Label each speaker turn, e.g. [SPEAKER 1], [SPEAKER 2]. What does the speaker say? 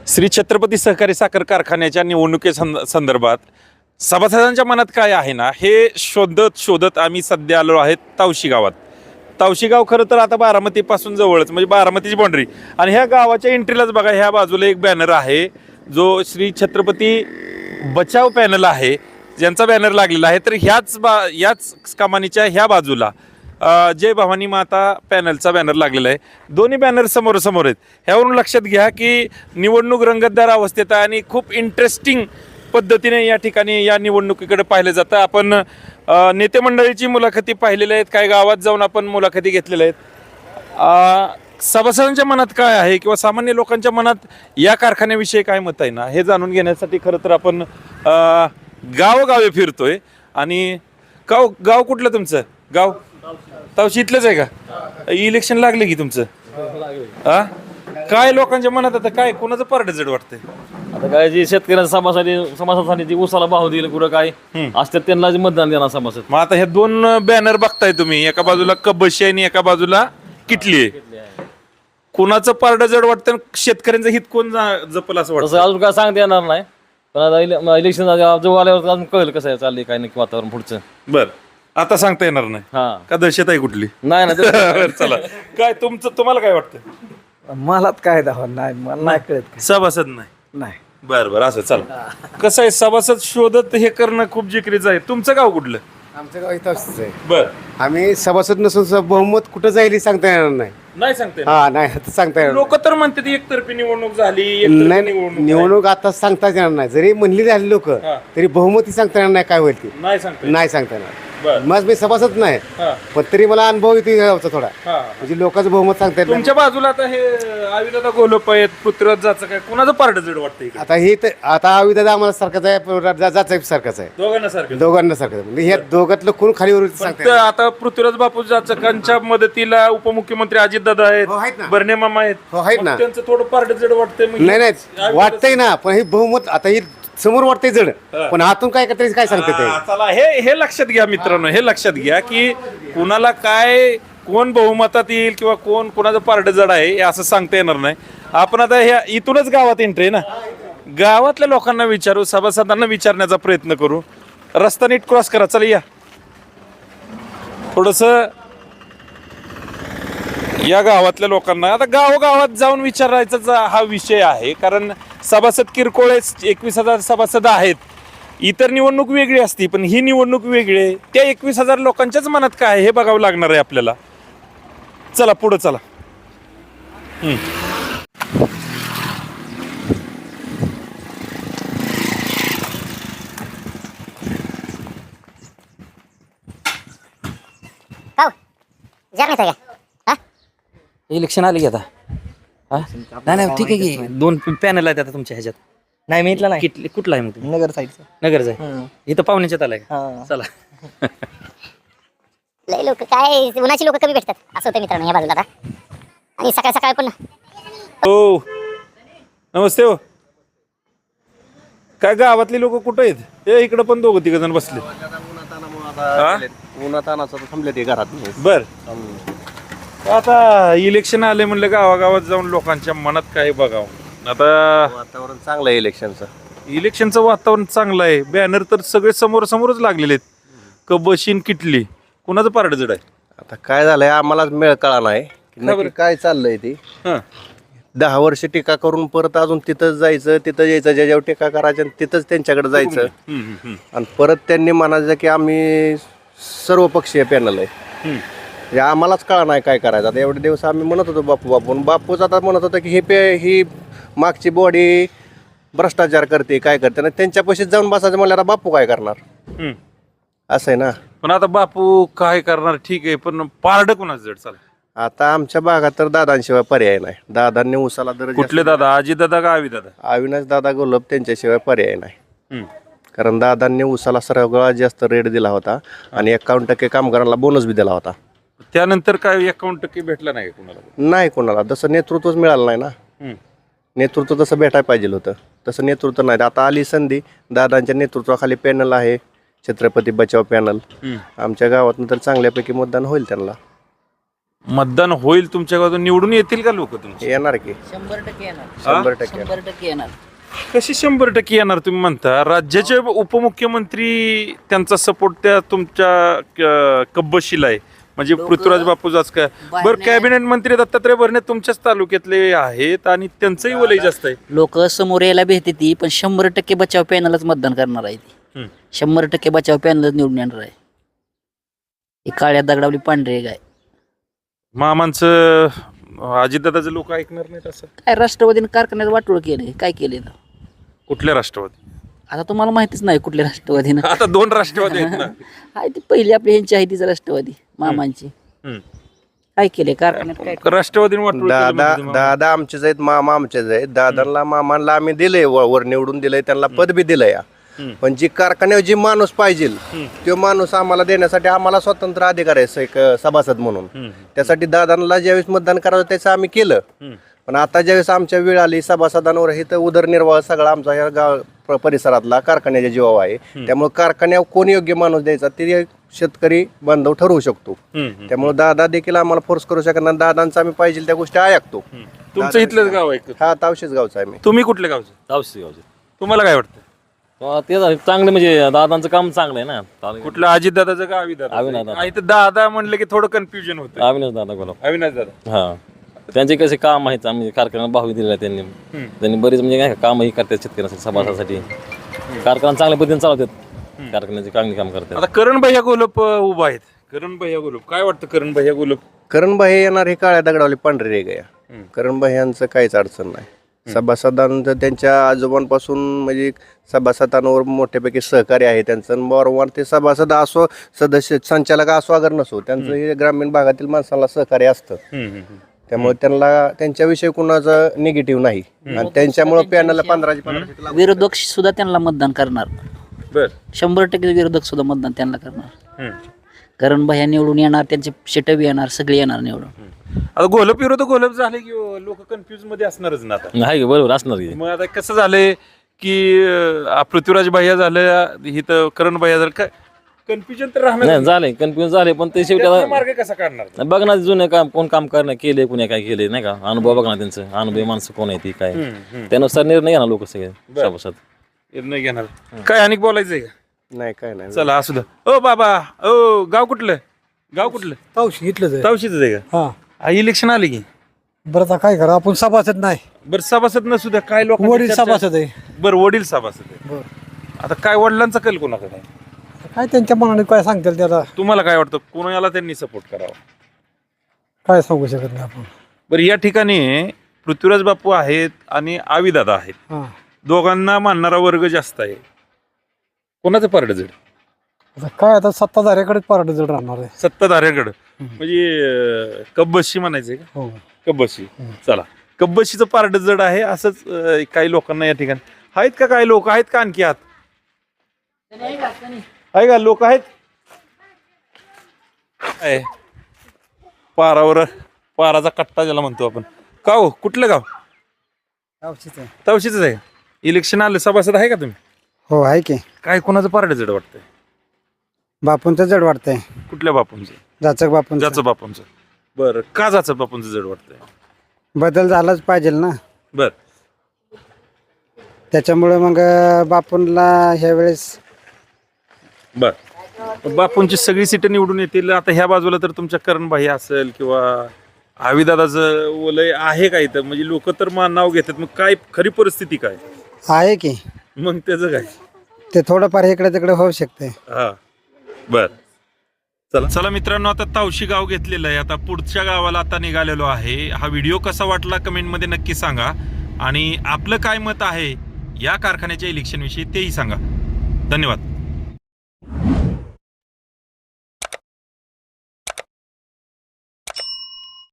[SPEAKER 1] श्री छत्रपती सहकारी साखर कारखान्याच्या संदर्भात सभासदांच्या मनात काय आहे ना हे शोधत आम्ही सध्या आलो आहेत तावशी गावात. तावशी गाव खरं तर आता बारामतीपासून जवळच म्हणजे बारामतीची बाउंड्री आणि ह्या गावाच्या एंट्रीलाच बघा ह्या बाजूला एक बॅनर आहे जो श्री छत्रपती बचाव पॅनल आहे ज्यांचा बॅनर लागलेला आहे. तर याच कमानीच्या ह्या बाजूला जय भवानी माता पॅनलचा बॅनर लागलेला आहे. दोन्ही बॅनर समोर आहेत. ह्यावरून लक्षात घ्या की निवडणूक रंगतदार अवस्थेत आहे आणि खूप इंटरेस्टिंग पद्धतीने या ठिकाणी या निवडणुकीकडे पाहिलं जातं. आपण नेते मंडळीची मुलाखती पाहिलेल्या आहेत, काही गावात जाऊन आपण मुलाखती घेतलेल्या आहेत. सभासदांच्या मनात काय आहे किंवा सामान्य लोकांच्या मनात या कारखान्याविषयी काय मत आहे ना हे जाणून घेण्यासाठी खरं तर आपण गावोगावी फिरतोय. आणि गाव कुठलं तुमचं गाव? तावशी इथलंच आहे का? इलेक्शन लागले की तुमचं? हा काय लोकांच्या मनात आता काय कोणाचं पारड जड वाटतंय?
[SPEAKER 2] आता काय जे शेतकऱ्यांच्या समाजासाठी जी उसाला भाव देईल कुठं काय असतात त्यांना जे मतदान देणार समाजात.
[SPEAKER 1] मग आता हे दोन बॅनर बघताय तुम्ही, एका बाजूला कब्बशी आणि एका बाजूला किटली आहे. कोणाचं पारड जड वाटतं? शेतकऱ्यांचं हित कोण जपल असं वाटतं?
[SPEAKER 2] अजून काय सांगता येणार नाही, पण आता इलेक्शन जवळ आल्यावर अजून कळेल कसं आहे चाललंय काय नक्की वातावरण पुढचं.
[SPEAKER 1] बर आता सांगता येणार नाही
[SPEAKER 2] हा
[SPEAKER 1] का? दहशत आहे कुठली?
[SPEAKER 2] नाही ना
[SPEAKER 1] चला काय तुम्हाला काय वाटतं?
[SPEAKER 3] मला काय दाखवा नाही, मला नाही कळत.
[SPEAKER 1] सभासद नाही.
[SPEAKER 3] नाही
[SPEAKER 1] बर असं चला. कसं आहे सभासद शोधत हे करणं खूप जिकरीचं आहे. तुमचं गाव कुठलं?
[SPEAKER 3] आमचं गाव इथं असंच आहे.
[SPEAKER 1] बर
[SPEAKER 3] आम्ही सभासद नसून बहुमत कुठं जाईल हे सांगता येणार नाही.
[SPEAKER 1] नाही सांगते
[SPEAKER 3] हा नाही आता सांगता येणार
[SPEAKER 1] लोक तर म्हणतात एकतर्फी निवडणूक झाली,
[SPEAKER 3] नाही. निवडणूक आता सांगताच येणार नाही. जरी म्हणली झाली लोक तरी बहुमती सांगता येणार नाही काय होईल ती
[SPEAKER 1] नाही सांगते.
[SPEAKER 3] नाही सांगता येणार.
[SPEAKER 1] बर
[SPEAKER 3] मग मी सभासद नाही
[SPEAKER 1] हा.
[SPEAKER 3] पण तरी मला अनुभव येतो गावचा थोडा,
[SPEAKER 1] हा.
[SPEAKER 3] म्हणजे लोकांचं बहुमत सांगता येत नाही.
[SPEAKER 1] तुमच्या बाजूला आता हे आविदादा गोलोप आहेत, पृथ्वीराज जायचं काय कोणाचं पारड जड वाटतं इकडे?
[SPEAKER 3] आता हे तर आता आविदा आम्हाला सारखाच आहे, जाचा सारखाच आहे,
[SPEAKER 1] दोघांना सारखं.
[SPEAKER 3] दोघांना सारखं म्हणजे ह्या दोघातलं कोण खाली वर सांगता
[SPEAKER 1] फक्त आता पृथ्वीराज बापू जाचकांच्या मदतीला उपमुख्यमंत्री अजितदादा
[SPEAKER 3] हो, आहेत
[SPEAKER 1] आहेत,
[SPEAKER 3] ना.
[SPEAKER 1] बर्णे मामा आहेत.
[SPEAKER 3] हो, आहेत
[SPEAKER 1] मग
[SPEAKER 3] ना.
[SPEAKER 1] त्यांचं थोडं पारड जड वाटतंय म्हणजे
[SPEAKER 3] नाही वाटतंय ना, पण हे बहुमत आता हे समोर वाटतंय जड, पण आतून काय करता काय सांगते ते.
[SPEAKER 1] चला हे लक्षात घ्या मित्रांनो, हे लक्षात घ्या की कुणाला काय कोण बहुमतात येईल किंवा कोणाचं पारड जड आहे हे असं सांगता येणार नाही. आपण आता ह्या इथूनच गावात एंट्री ना, गावातल्या लोकांना विचारू, सभासदांना विचारण्याचा प्रयत्न करू. रस्ता नीट क्रॉस करा. चला या थोडस या गावातल्या लोकांना आता गावोगावात जाऊन विचारायचा हा विषय आहे. कारण सभासद किरकोळ 21,000 सभासद आहेत. इतर निवडणूक वेगळी असती पण ही निवडणूक वेगळी आहे. त्या 21,000 लोकांच्याच मनात काय आहे हे बघावं लागणार आहे आपल्याला. चला पुढं चला.
[SPEAKER 4] इलेक्शन आले की आता नाही ठीक आहे की दोन पॅनल आहेत आता तुमच्या ह्याच्यात.
[SPEAKER 5] नाही मी इथला नाही,
[SPEAKER 4] कुठला आहे मग तुम्ही?
[SPEAKER 5] नगर साईडचा.
[SPEAKER 4] नगरचा आहे. इथं पाहुण्याच्यात आलाय का?
[SPEAKER 5] हा.
[SPEAKER 4] चला.
[SPEAKER 6] लय लोक काय उन्हाची लोक कमी भेटतात असं होतं मित्रांनो या बाजूला आता. आणि सकाळ सकाळ पण
[SPEAKER 1] हो नमस्ते. हो काय गावातली लोक कुठं आहेत? हे इकडं पण दोघं तिघ जण बसले.
[SPEAKER 2] उन्हातानाचं थांबले ते घरात.
[SPEAKER 1] बर आता इलेक्शन आले म्हणलं गावागावात जाऊन लोकांच्या मनात काय बघावं. आता
[SPEAKER 2] वातावरण चांगलं आहे इलेक्शनचं.
[SPEAKER 1] इलेक्शनचं वातावरण चांगलं आहे. बॅनर तर सगळे समोरच लागलेले आहेत. कबशीन किटली कुणाचं पारड जड आहे?
[SPEAKER 7] आता काय झालंय आम्हालाच मेळ कळा नाही की नक्की काय चाललंय ते.
[SPEAKER 1] हं.
[SPEAKER 7] 10 वर्ष टीका करून परत अजून तिथंच जायचं, तिथं यायचं, ज्याच्यावर टीका करायचं आणि तिथंच त्यांच्याकडे जायचं. आणि परत त्यांनी म्हणायचं की आम्ही सर्वपक्षीय पॅनल आहे. म्हणजे आम्हालाच कळा नाही काय करायचं. आता एवढे दिवस आम्ही म्हणत होतो बापूच आता म्हणत होता की ही मागची बॉडी भ्रष्टाचार करते काय करते ना, त्यांच्यापाशीच जाऊन बसायचं म्हणल्यावर बापू काय करणार असं आहे ना.
[SPEAKER 1] पण आता बापू काय करणार ठीक आहे पण पारड कुणाचं जड? चालेल
[SPEAKER 7] आता आमच्या भागात तर दादांशिवाय पर्याय नाही. दादांनी उसाला दर
[SPEAKER 1] कुठले दादा? अजित दादा का आवी दादा?
[SPEAKER 7] अविनाश दादा गोलब त्यांच्याशिवाय पर्याय नाही. कारण दादांनी उसाला सगळ्यात जास्त रेट दिला होता आणि 51% कामगारांना बोनस बी दिला होता.
[SPEAKER 1] त्यानंतर काय 51% भेटला नाही कुणाला?
[SPEAKER 7] नाही कोणाला तसं नेतृत्वच मिळालं नाही ना. नेतृत्व तसं भेटायला पाहिजे होतं, तसं नेतृत्व नाही. आता आली संधी, दादांच्या नेतृत्वाखाली पॅनल आहे छत्रपती बचाव पॅनल. आमच्या गावातून तर चांगल्यापैकी मतदान होईल त्यांना.
[SPEAKER 1] मतदान होईल तुमच्या गावातून, निवडून येतील का लोक तुमचे?
[SPEAKER 7] येणार की
[SPEAKER 4] 100% येणार
[SPEAKER 7] 100%
[SPEAKER 4] 100% येणार.
[SPEAKER 1] कशी 100% येणार तुम्ही म्हणता? राज्याचे उपमुख्यमंत्री त्यांचा सपोर्ट त्या तुमच्या कब्बशीला आहे, म्हणजे पृथ्वीराज बापू काय बरं. कॅबिनेट मंत्री दत्तात्रय भरणे तुमच्याच तालुक्यातले आहेत आणि त्यांचंही वलय जास्त आहे.
[SPEAKER 4] लोक समोर यायला भेटते ती, पण 100% बचाव पॅनलच मतदान करणार आहे ती. 100% बचाव पॅनलच निवडून येणार आहे. ही काळ्या दगडावली पांढरे गाय.
[SPEAKER 1] मामांचं अजितदादाचे लोक ऐकणार नाहीत असं?
[SPEAKER 4] काय राष्ट्रवादीने कारखान्यात वाटोळ केले, काय केले ना?
[SPEAKER 1] कुठल्या राष्ट्रवादी?
[SPEAKER 4] आता तुम्हाला माहितीच नाही कुठल्या राष्ट्रवादीनं.
[SPEAKER 1] आता 2 राष्ट्रवादी आहेत ना.
[SPEAKER 4] आहे ती पहिली आपली ह्यांची आहे तीच राष्ट्रवादी मामांची.
[SPEAKER 1] हम्म.
[SPEAKER 4] काय केले कारखान्यात, काय
[SPEAKER 1] राष्ट्रवादीने वाटलं
[SPEAKER 7] दादा आमचेच आहेत, मामा आमचेच आहेत. दादांना मामांना आम्ही दिलंय, वर निवडून दिलंय, त्यांना पद बी दिलंय. पण जी कारखान्यावर जी माणूस पाहिजे तो माणूस आम्हाला देण्यासाठी आम्हाला स्वतंत्र अधिकार आहे एक सभासद म्हणून. त्यासाठी दादांना ज्यावेळेस मतदान करायचं त्याचं आम्ही केलं. पण आता ज्यावेळेस आमच्या वेळ आली सभासदांवर, हे तर उदरनिर्वाह सगळा आमचा या गाव परिसरातला कारखान्याच्या जीवावर आहे. त्यामुळे कारखान्यावर कोण योग्य माणूस द्यायचा ते शेतकरी बांधव ठरवू शकतो. त्यामुळे दादा देखील आम्हाला फोर्स करू शकत नाही. दादांचा आम्ही पाहिजे त्या गोष्टी ऐकतो.
[SPEAKER 1] तुमचं इथलंच गाव आहे?
[SPEAKER 7] हा, तावशेच गावचा आहे मी.
[SPEAKER 1] तुम्ही कुठल्या गावचे?
[SPEAKER 2] गावचे गावचे
[SPEAKER 1] तुम्हाला काय वाटतं?
[SPEAKER 2] ते झालं चांगलं, म्हणजे दादांचं काम चांगलं आहे ना.
[SPEAKER 1] कुठलं अजितदादाचं का अविदादा?
[SPEAKER 2] अविनाशदादा.
[SPEAKER 1] इथं दादा म्हणलं की थोडं कन्फ्युजन होतं.
[SPEAKER 2] अविनाश दादा बोला.
[SPEAKER 1] अविनाश दादा.
[SPEAKER 2] हा, त्यांचे कसे काम आहेत, आम्ही कारखान्यात भाव दिलेला आहे त्यांनी बरेच, म्हणजे काय कामही करतात शेतकऱ्यांसाठी, सभासासाठी. कारखाना चांगल्या पद्धतीने चालवतात, कारखान्याचे चांगली काम करतात.
[SPEAKER 1] आता करण भैया गोलप उभा आहेत. करण भैया गोलप, काय वाटतं करण भैया गोलप?
[SPEAKER 7] करणबाई येणार हे काळ्या दगडावली पांढरे रे गया. करणबाई यांचं काहीच अडचण नाही. सभासदांचं त्यांच्या आजोबांपासून म्हणजे सभासदांवर मोठ्यापैकी सहकार्य आहे त्यांचं. वारंवार ते सभासद असो, सदस्य संचालक असो अगर नसो, त्यांचं हे ग्रामीण भागातील माणसाला सहकार्य असतं. त्यामुळे त्यांना त्यांच्याविषयी कुणाचं निगेटिव्ह नाही. आणि त्यांच्यामुळे पॅनलला 15
[SPEAKER 4] विरोधक सुद्धा त्यांना मतदान करणार.
[SPEAKER 1] बर.
[SPEAKER 4] 100% विरोधक सुद्धा मतदान त्यांना करणार. कारण भैया निवडून येणार, त्यांचे शेटबी येणार, सगळे येणार निवडून.
[SPEAKER 1] आता गोलप विरोध गोलप झाले की लोक कन्फ्युज मध्ये असणारच ना आता.
[SPEAKER 2] नाही बरोबर असणार की.
[SPEAKER 1] मग आता कसं झालंय की पृथ्वीराज भैया झालं, इथं करण भैया झालं, काय कन्फ्युजन तर राहणार
[SPEAKER 2] नाही. झाले कन्फ्युजन झाले, पण ते शेवटी
[SPEAKER 1] त्यातनं
[SPEAKER 2] आता
[SPEAKER 1] मार्ग कसा काढणार?
[SPEAKER 2] बघ ना, जुने काम कोण काम करणं केले, कुणी काय केले नाही का, अनुभव बघ ना त्यांचं, अनुभवी माणसं कोण आहे ती काय, त्यानुसार निर्णय घेणार लोक सगळे सभासद.
[SPEAKER 1] निर्णय घेणार. काय अनेक बोलायचंय का?
[SPEAKER 7] नाही, काय नाही.
[SPEAKER 1] चला असू द्या. ओ बाबा, ओ गाव कुठलं? गाव कुठलं?
[SPEAKER 5] तावशी इथलंच आहे.
[SPEAKER 1] तावशीच आहे का?
[SPEAKER 5] हा,
[SPEAKER 1] इलेक्शन आले की?
[SPEAKER 5] बरं आता काय करा, आपण सभासद नाही,
[SPEAKER 1] बरं सभासद नसू द्या, काय लोक
[SPEAKER 5] वडील सभासद आहे.
[SPEAKER 1] बरं वडील सभासद आहे.
[SPEAKER 5] बरं,
[SPEAKER 1] आता काय वडिलांचा कल कोणाकडे आहे?
[SPEAKER 5] काय त्यांच्या मनाने काय सांगतील त्याला
[SPEAKER 1] तुम्हाला काय वाटतं कोणाला त्यांनी सपोर्ट करावा?
[SPEAKER 5] काय सांगू शकत नाही आपण.
[SPEAKER 1] बरं, या ठिकाणी पृथ्वीराज बापू आहेत आणि आविदादा आहेत.
[SPEAKER 5] हा,
[SPEAKER 1] दोघांना मानणारा वर्ग जास्त आहे. कोणाचं पारड जड?
[SPEAKER 5] आता काय, आता सत्ताधाऱ्याकडेच पारड जड राहणार आहे.
[SPEAKER 1] सत्ताधाऱ्याकडं, म्हणजे कब्बशी म्हणायचंय का?
[SPEAKER 5] हो,
[SPEAKER 1] कब्बशी. चला, कब्बशीचं पारड जड आहे असंच काही लोकांना या ठिकाणी आहेत का? काही लोक आहेत का आणखी आत? आहे का लोक आहेत? आहे पारावर, पाराचा कट्टा ज्याला म्हणतो आपण. का हो, कुठलं गाव? तावशीच आहे. इलेक्शन आलं, सभासद आहे का तुम्ही?
[SPEAKER 5] हो आहे की.
[SPEAKER 1] काय कोणाचं पारड जड वाटतंय?
[SPEAKER 5] बापूंचं जड वाटतंय.
[SPEAKER 1] कुठल्या बापूंचं?
[SPEAKER 5] जाचक बापूंचं.
[SPEAKER 1] जाचं बापूंचं. बरं, का जाचं बापूंचं जड वाटतंय?
[SPEAKER 5] बदल झालाच पाहिजे ना,
[SPEAKER 1] बर.
[SPEAKER 5] त्याच्यामुळे मग बापूंला ह्या वेळेस.
[SPEAKER 1] बर, बापूंची सगळी सीटं निवडून येतील. आता ह्या बाजूला तर तुमच्या करणभाई असेल किंवा आविदादाचं वलय आहे का इथं? म्हणजे लोक तर नाव घेतात, मग काय खरी परिस्थिती काय
[SPEAKER 5] आहे की?
[SPEAKER 1] मग त्याचं काय?
[SPEAKER 5] ते थोडंफार इकडे तिकडे होऊ शकते.
[SPEAKER 1] हा, बर. चला चला मित्रांनो, आता तावशी गाव घेतलेलं आहे. आता पुढच्या गावाला आता निघालेलो आहे. हा व्हिडिओ कसा वाटला कमेंटमध्ये नक्की सांगा, आणि आपलं काय मत आहे या कारखान्याच्या इलेक्शन विषयी तेही सांगा. धन्यवाद.